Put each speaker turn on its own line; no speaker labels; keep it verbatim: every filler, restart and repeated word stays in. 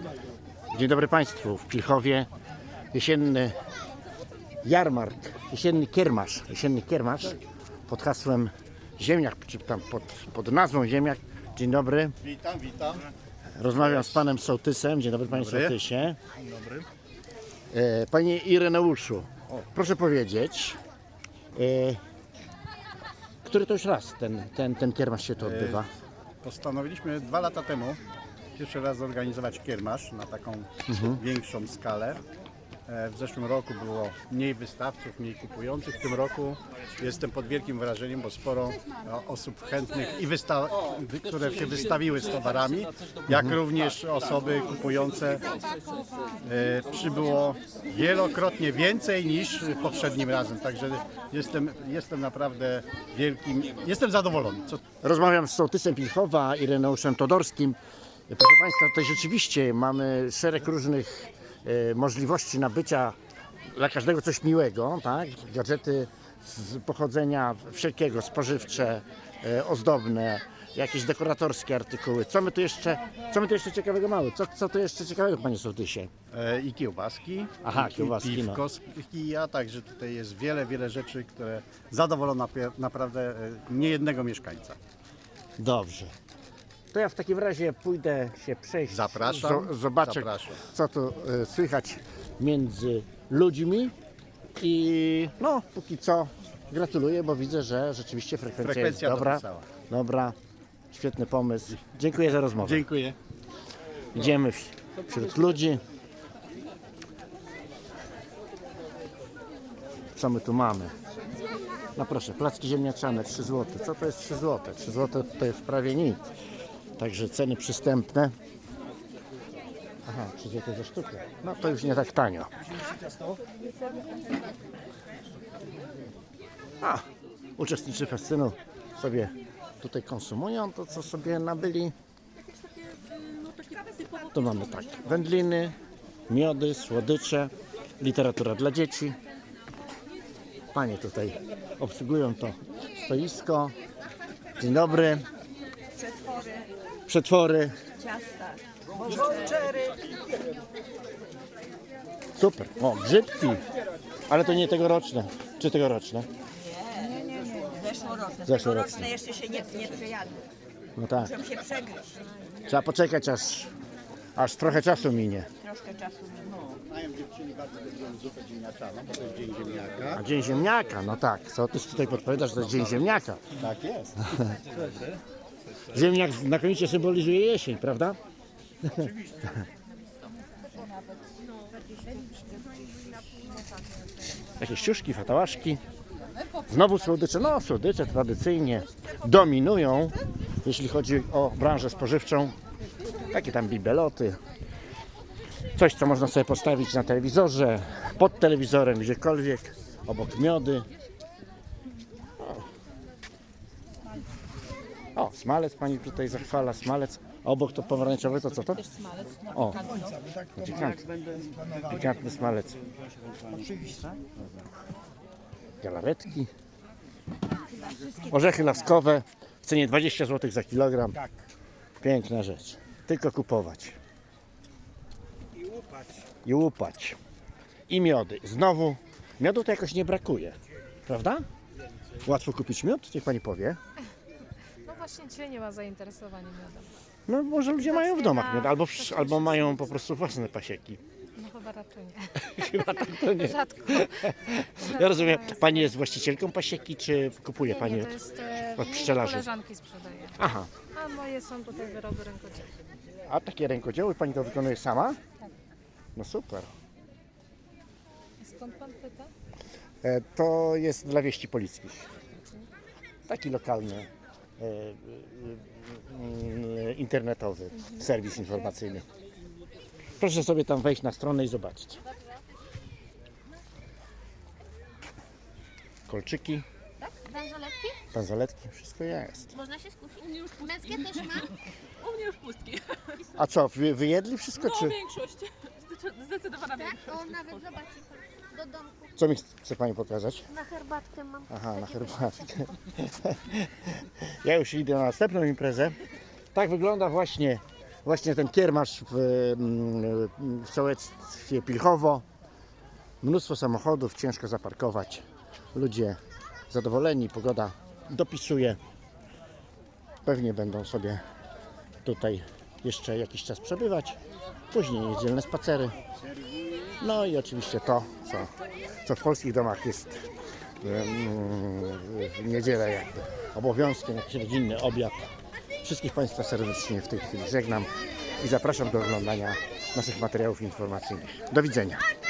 Dzień dobry Państwu. W Pilchowie jesienny jarmark, jesienny kiermasz, jesienny kiermasz pod hasłem Ziemniak, czy tam pod, pod nazwą Ziemniak. Dzień dobry.
Witam, witam.
Rozmawiam z panem sołtysem. Dzień dobry panie
Dobry.
sołtysie.
Dzień dobry.
E, Panie Ireneuszu, proszę powiedzieć, e, który to już raz ten, ten, ten kiermasz się tu odbywa?
Postanowiliśmy dwa lata temu pierwszy raz zorganizować kiermasz na taką większą skalę. E, W zeszłym roku było mniej wystawców, mniej kupujących. W tym roku jestem pod wielkim wrażeniem, bo sporo e, osób chętnych, i wysta- wy- które się wystawiły z towarami, jak również osoby kupujące. E, Przybyło wielokrotnie więcej niż poprzednim razem. Także jestem, jestem naprawdę wielkim, jestem zadowolony. Co
Rozmawiam z sołtysem Pilchowa, Ireneuszem Todorskim. Proszę Państwa, tutaj rzeczywiście mamy szereg różnych e, możliwości nabycia dla każdego coś miłego, tak? Gadżety z pochodzenia wszelkiego, spożywcze, e, ozdobne, jakieś dekoratorskie artykuły. Co my tu jeszcze, co my tu jeszcze ciekawego mamy? Co, co tu jeszcze ciekawego, panie sołtysie?
E, i kiełbaski,
Aha,
i
kiełbaski,
piwko
no.
z kija, także tutaj jest wiele, wiele rzeczy, które zadowolą napie- naprawdę e, niejednego mieszkańca.
Dobrze. To ja w takim razie pójdę się przejść,
Zapraszam,
zo- zobaczę,
zapraszam.
co tu e, słychać między ludźmi i no, póki co gratuluję, bo widzę, że rzeczywiście frekwencja,
Frekwencja
jest dobra.
dopisała.
Dobra, świetny pomysł. Dziękuję za rozmowę.
Dziękuję.
Idziemy w- wśród ludzi. Co my tu mamy? No proszę, placki ziemniaczane trzy złote. Co to jest trzy złote? trzy złote to jest prawie nic. Także ceny przystępne. Aha, trzy złote za sztukę. No to już nie tak tanio. A, uczestnicy festynu sobie tutaj konsumują to, co sobie nabyli. Tu mamy tak, wędliny, miody, słodycze, literatura dla dzieci. Panie tutaj obsługują to stoisko. Dzień dobry.
Przetwory,
Przetwory.
ciasta,
Super. O, grzybki. Ale to nie tegoroczne. Czy tegoroczne?
nie, nie, nie, zeszłoroczne.
Zeszłoroczne.
Tegoroczne jeszcze się nie, nie przejadły.
No tak.
Muszę się przegryźć.
Trzeba poczekać, aż, aż trochę czasu minie.
Troszkę czasu minęło.
Mają dziewczyny bardzo lubią zupę ziemniaczaną, bo to jest dzień ziemniaka.
A dzień ziemniaka, no tak. Co ty tutaj podpowiadasz, że to jest dzień ziemniaka.
Tak jest.
Ziemniak znakomicie symbolizuje jesień, prawda? Jakieś ciuszki, fatałaszki. Znowu słodycze. No, słodycze tradycyjnie dominują, jeśli chodzi o branżę spożywczą. Takie tam bibeloty. Coś, co można sobie postawić na telewizorze, pod telewizorem, gdziekolwiek. Obok miody. O, smalec pani tutaj zachwala, smalec. A obok to pomarańczowy, to co to? O, pikantny, pikantny smalec. Galaretki. Orzechy laskowe w cenie dwadzieścia złotych za kilogram. Piękna rzecz. Tylko kupować. I łupać. I miody. Znowu, miodu to jakoś nie brakuje. Prawda? Łatwo kupić miód? Niech pani powie.
No właśnie dzisiaj nie ma zainteresowania miodem.
No może ludzie mają w domach miód, albo, w, albo mają po prostu własne pasieki.
No chyba raczej nie.
Chyba tak to nie.
Rzadko.
Ja rozumiem, pani jest właścicielką pasieki, czy kupuje
Nie,
pani
nie,
od,
to jest e,
od
mi
pszczelarzy?
koleżanki sprzedaje.
Aha,
A moje są tutaj wyroby rękodziełne.
a takie rękodzieły pani to wykonuje sama? No super.
Skąd pan pyta?
E, To jest dla wieści polickich. Taki lokalny, e, e, e, internetowy serwis informacyjny. Proszę sobie tam wejść na stronę i zobaczyć. Kolczyki,
Bransoletki?
bransoletki, wszystko jest.
Można się skusić? Męskie też ma?
U mnie już pustki.
A co, wy, wyjedli wszystko,
No
czy
większość. Zdecy- Zdecydowana
Tak?
większość.
O, nawet zobaczcie pan. Do domku.
co mi chce pani pokazać?
Na herbatkę mam.
Aha, na herbatkę. Ja już idę na następną imprezę. Tak wygląda właśnie właśnie ten kiermasz w, mm, w sołectwie Pilchowo. Mnóstwo samochodów, ciężko zaparkować. Ludzie zadowoleni, pogoda dopisuje. Pewnie będą sobie tutaj jeszcze jakiś czas przebywać. Później niedzielne spacery. No i oczywiście to, co, co w polskich domach jest w niedzielę jakby obowiązkiem, jakiś rodzinny obiad. Wszystkich Państwa serdecznie w tej chwili żegnam i zapraszam do oglądania naszych materiałów informacyjnych. Do widzenia.